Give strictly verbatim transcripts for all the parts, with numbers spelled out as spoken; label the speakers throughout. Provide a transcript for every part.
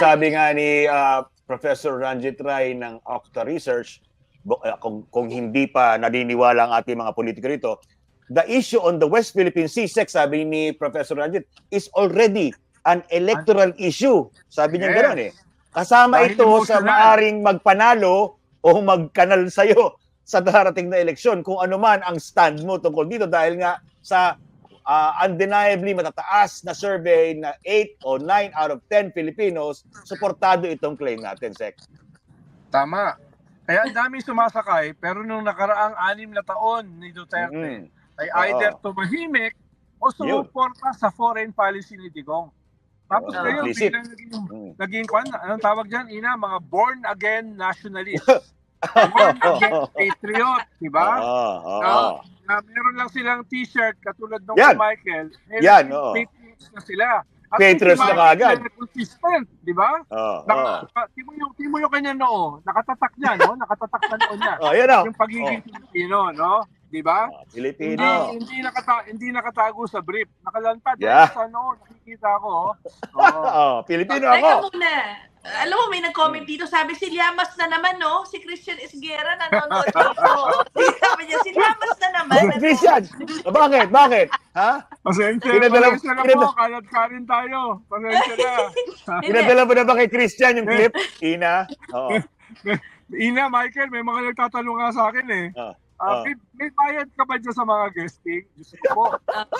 Speaker 1: sabi nga ni uh, Professor Ranjit Rai ng Octa Research, uh, kung, kung hindi pa naniniwala ang ating mga politiko rito, the issue on the West Philippine Sea, Sek, sabi ni Professor Ranjit, is already an electoral issue. Sabi niya
Speaker 2: Yes.
Speaker 1: gano'n eh. Kasama
Speaker 2: Dahil
Speaker 1: ito sa
Speaker 2: emotional.
Speaker 1: maaring magpanalo o magkanal sa'yo sa darating na eleksyon kung ano man ang stand mo tungkol dito dahil nga sa uh, undeniably matataas na survey na eight o nine out of ten Filipinos, suportado itong claim natin, Sek.
Speaker 2: Tama. Kaya ang daming sumasakay, pero nung nakaraang anim na taon ni Duterte,
Speaker 1: Mm-hmm.
Speaker 2: ay either tumahimik o sumuporta sa foreign policy ni Digong. Tapos
Speaker 1: Oo,
Speaker 2: ngayon,
Speaker 1: implicit.
Speaker 2: biglang naging,
Speaker 1: Mm.
Speaker 2: naging kwan, anong tawag dyan, Ina? Mga born-again nationalists. Born-again patriot, di ba?
Speaker 1: Oo, oo.
Speaker 2: Na, na meron lang silang t-shirt katulad ng
Speaker 1: Yan.
Speaker 2: Michael. Eh,
Speaker 1: Yan,
Speaker 2: naging
Speaker 1: oo.
Speaker 2: patriots na sila. At
Speaker 1: Patriots
Speaker 2: si
Speaker 1: na
Speaker 2: Michael
Speaker 1: kaagad.
Speaker 2: na consistent, di ba?
Speaker 1: Oo,
Speaker 2: Naka,
Speaker 1: oo.
Speaker 2: timo yung, timo yung kanya noo, nakatatak niya, no? Nakatatak na noo niya.
Speaker 1: Oh, yan o.
Speaker 2: Yung pagiging Pilipino, no? Di ba?
Speaker 1: Oh, Pilipino.
Speaker 2: Hindi hindi nakata hindi nakatago sa brief. Nakalantad
Speaker 1: Yeah.
Speaker 2: sa noo, nakikita ko. Oh.
Speaker 1: Oh, Pilipino
Speaker 3: Oh,
Speaker 1: ako.
Speaker 3: teka muna. Alam mo, may nag-comment dito. Sabi, si Llamas na naman, no? Si Christian Esguerra nanonood dito. Sabi niya, si Llamas na naman.
Speaker 1: Christian, bakit? Bakit? Ha?
Speaker 2: Pasensya,
Speaker 1: Pinadala-
Speaker 2: pasensya na
Speaker 1: pinadala-
Speaker 2: po, kalat ka rin tayo. Pasensya na.
Speaker 1: Pinadala mo na ba kay Christian yung clip? Ina? Oo.
Speaker 2: Ina, Michael, may mga nagtatanong nga sa akin eh.
Speaker 1: Oh.
Speaker 2: Ah,
Speaker 1: Oh.
Speaker 2: may, may bayad ka ba dyan sa mga guesting? Diyos ko po.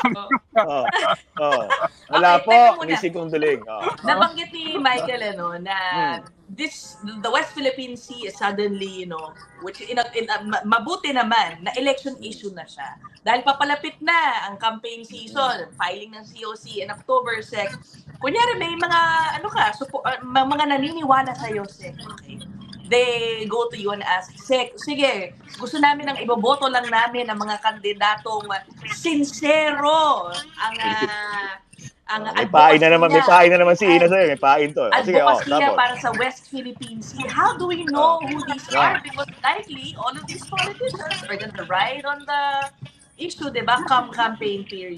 Speaker 1: Oh. Oh. Wala
Speaker 3: Okay,
Speaker 1: po,
Speaker 3: teka muna.
Speaker 1: Missy Conduling. Oh.
Speaker 3: Nabanggit ni Michael, ano, na
Speaker 1: Hmm.
Speaker 3: this, the West Philippine Sea is suddenly, you know, which in, a, in a, ma- mabuti naman na election issue na siya. Dahil papalapit na ang campaign season, filing ng C O C in October, Sec. Kunyari, may mga, ano ka, supo, uh, mga naniniwala sa'yo, Sec. Okay. They go to you and ask, Sek, sige, gusto namin ang iboboto lang namin ang mga kandidatong sincero ang uh, ang
Speaker 1: Oh, may pain na naman, may pain na naman si Ina sa'yo. May pain to. Oh, sige, oh,
Speaker 3: advocacy niya
Speaker 1: tapos.
Speaker 3: para sa West Philippine Sea. How do we know who these are? Because likely, all of these politicians are gonna ride on the issue, di ba? Come campaign period.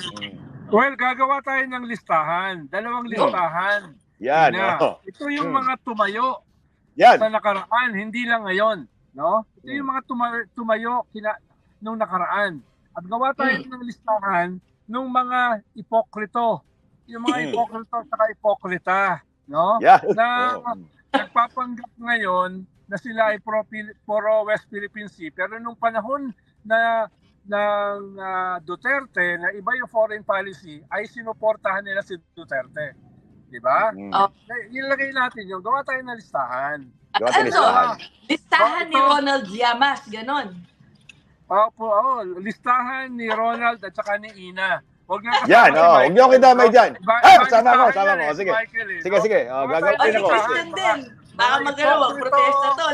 Speaker 2: Well, gagawa tayo ng listahan. Dalawang listahan.
Speaker 1: Yan,
Speaker 2: Ina.
Speaker 1: oh.
Speaker 2: Ito yung
Speaker 1: Hmm.
Speaker 2: mga tumayo
Speaker 1: Yan.
Speaker 2: sa nakaraan, hindi lang ngayon, no? Ito yung mga tuma- tumayo kina nung nakaraan. At gawa tayo
Speaker 3: Mm.
Speaker 2: ng listahan nung mga ipokrito. Yung mga
Speaker 1: Mm.
Speaker 2: ipokrito at saka ipokrita, no?
Speaker 1: Yan.
Speaker 2: Na
Speaker 1: Oh.
Speaker 2: nagpapanggap ngayon na sila ay pro, pro West Philippine Sea, pero nung panahon na ng uh, Duterte, na iba yung foreign policy, ay sinuportahan nila si Duterte. Di ba?
Speaker 1: Mm.
Speaker 3: Oh.
Speaker 2: Ilagay natin yung gawa tayo ng listahan.
Speaker 1: Gawa tayo
Speaker 3: Ano?
Speaker 1: listahan.
Speaker 3: Listahan ni
Speaker 2: Oh, ito.
Speaker 3: Ronald Llamas, ganon.
Speaker 2: Opo, oh, listahan ni Ronald at saka ni Ina. Huwag na kasama
Speaker 1: Yan,
Speaker 2: si
Speaker 1: oh.
Speaker 2: Michael.
Speaker 1: Huwag niyo kitama dyan.
Speaker 2: Iba-
Speaker 1: Ah,
Speaker 2: iba
Speaker 1: sama ko,
Speaker 2: listahan
Speaker 1: sama
Speaker 2: yan
Speaker 1: ko.
Speaker 2: eh, si
Speaker 1: Sige.
Speaker 2: Michael eh,
Speaker 1: Sige,
Speaker 2: no?
Speaker 1: sige. Oh,
Speaker 2: Gawa
Speaker 1: gagawin
Speaker 2: tayo
Speaker 3: Ay,
Speaker 1: din
Speaker 2: ng
Speaker 3: si
Speaker 1: ako.
Speaker 2: listahan.
Speaker 3: Christian din. Baka
Speaker 2: Mga
Speaker 3: magano,
Speaker 2: ipokrito.
Speaker 3: mag-protesta to.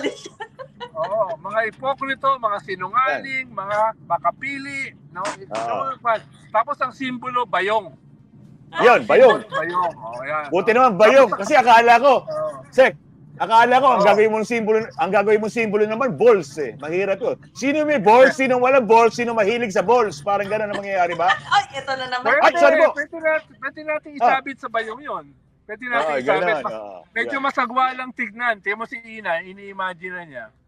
Speaker 2: Oo, mga ipokrito, mga sinungaling, mga makapili, no?
Speaker 1: Oo.
Speaker 2: No, tapos ang simbolo, bayong.
Speaker 1: Yun, bayong.
Speaker 2: Bayong. Oh, yan.
Speaker 1: Buti naman bayong. Kasi akala ko,
Speaker 2: Oh.
Speaker 1: Sek, akala ko ang
Speaker 2: Oo.
Speaker 1: gagawin mong simbolo, ang gagawin mong simbolo naman balls eh. Mahirap 'yun. Sino may balls, sino walang balls, sino mahilig sa balls? Parang gano'n ang mangyayari ba?
Speaker 3: Ay, ito na naman.
Speaker 2: Pwede,
Speaker 1: Ay, sorry po.
Speaker 2: pwede natin, pwede natin isabit sa bayong yon. Pwede natin
Speaker 1: Oo,
Speaker 2: isabit.
Speaker 1: gano'n.
Speaker 2: Mas-
Speaker 1: oo.
Speaker 2: Medyo
Speaker 1: Yan.
Speaker 2: masagwa lang tignan. Tiyan mo si Ina, ini-imagine na niya.